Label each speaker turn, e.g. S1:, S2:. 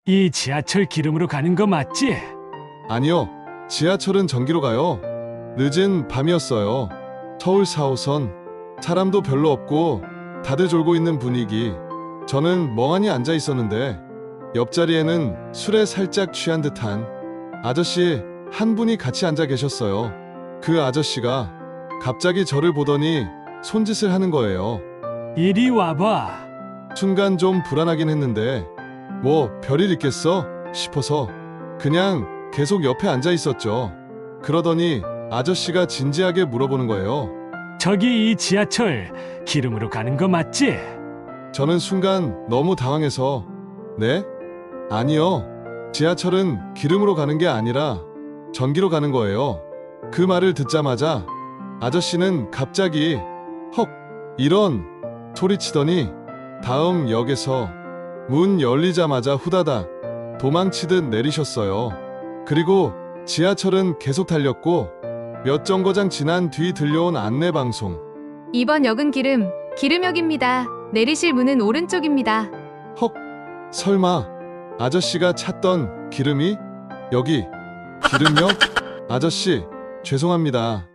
S1: 이 지하철 기름으로 가는 거 맞지?
S2: 아니요. 지하철은 전기로 가요. 늦은 밤이었어요. 서울 4호선. 사람도 별로 없고 다들 졸고 있는 분위기. 저는 멍하니 앉아 있었는데 옆자리에는 술에 살짝 취한 듯한 아저씨 한 분이 같이 앉아 계셨어요. 그 아저씨가 갑자기 저를 보더니 손짓을 하는 거예요.
S1: 이리 와봐.
S2: 순간 좀 불안하긴 했는데 뭐 별일 있겠어 싶어서 그냥 계속 옆에 앉아 있었죠. 그러더니 아저씨가 진지하게 물어보는 거예요.
S1: 저기 이 지하철 기름으로 가는 거 맞지?
S2: 저는 순간 너무 당황해서 네? 아니요. 지하철은 기름으로 가는 게 아니라 전기로 가는 거예요. 그 말을 듣자마자 아저씨는 갑자기 헉 이런 소리치더니 다음 역에서 문 열리자마자 후다닥 도망치듯 내리셨어요. 그리고 지하철은 계속 달렸고 몇 정거장 지난 뒤 들려온 안내 방송.
S3: 이번 역은 기름역입니다. 내리실 문은 오른쪽입니다.
S2: 헉, 설마 아저씨가 찾던 기름이 여기 기름역? 아저씨, 죄송합니다.